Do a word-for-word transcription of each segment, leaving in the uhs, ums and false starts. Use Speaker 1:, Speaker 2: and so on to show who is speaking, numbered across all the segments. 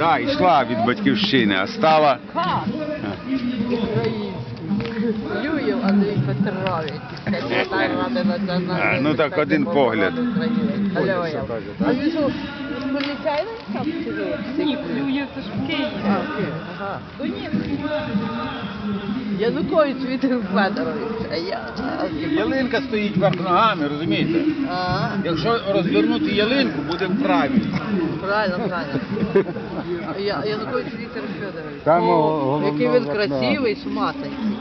Speaker 1: Да, йшла від батьківщини, а стала...
Speaker 2: Український. Юєв Андрій Петрович. Секретар Ради національної
Speaker 1: Ну так, один погляд.
Speaker 2: Аллилуйя. А він що, поліцейний там чи ви?
Speaker 3: Ні, Юєв це ж в Києві.
Speaker 2: А, в Києві, ага. Ну ні. Янукович Вітер Федорович, а я...
Speaker 1: Ялинка стоїть вверх ногами, розумієте?
Speaker 2: Ага.
Speaker 1: Якщо розвернути ялинку, буде правильно.
Speaker 2: Правильно, правильно. Я, Янукович Віктор Федорович.
Speaker 4: Там
Speaker 2: О,
Speaker 4: головне
Speaker 2: який він
Speaker 4: вікно.
Speaker 2: красивий, шматенький.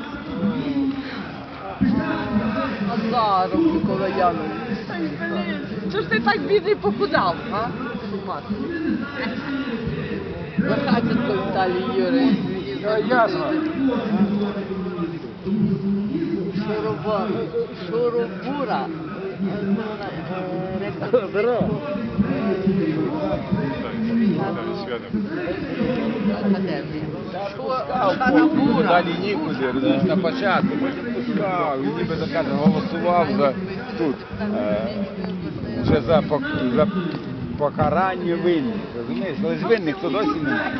Speaker 2: Азаров Микола Янович. Чого ж ти так бідний похудав, а? Шматенький. Захатенко Віталій Юрійович.
Speaker 4: Ясно.
Speaker 2: Шуруба, Шурубура.
Speaker 4: Здорово.
Speaker 2: Шарабура.
Speaker 1: Далі нікуди, розумієш, на початку, потім пускав, і ніби так каже, голосував за тут, е, вже за, пок- за покарання винних, розумієш, але ж винних то досі немає.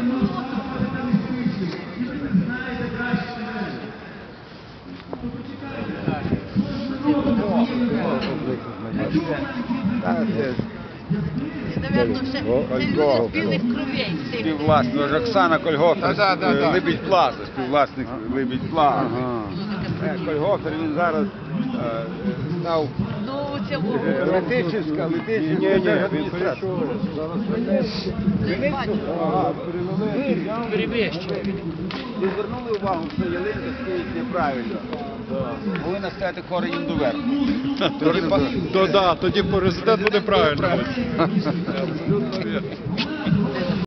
Speaker 1: Так, це
Speaker 2: Наверно, все це люди з білих кровей.
Speaker 1: співвласник, ж Оксана Кольгофер,
Speaker 4: Да, да, да.
Speaker 1: Либідь Плаза, співвласник Либідь Плаза.
Speaker 4: Ага.
Speaker 1: Е, Кольгофер, він зараз е, став
Speaker 2: Ну, це
Speaker 1: е, Летичівська, Летичівська
Speaker 4: Ні, ні, він
Speaker 1: держадміністрація.
Speaker 4: прийшов.
Speaker 1: Ви звернули увагу, що ялинка стоїть неправильно. Повинна стояти коренем доверху. Тоді,
Speaker 4: То да, тоді президент буде правильно.
Speaker 1: абсолютно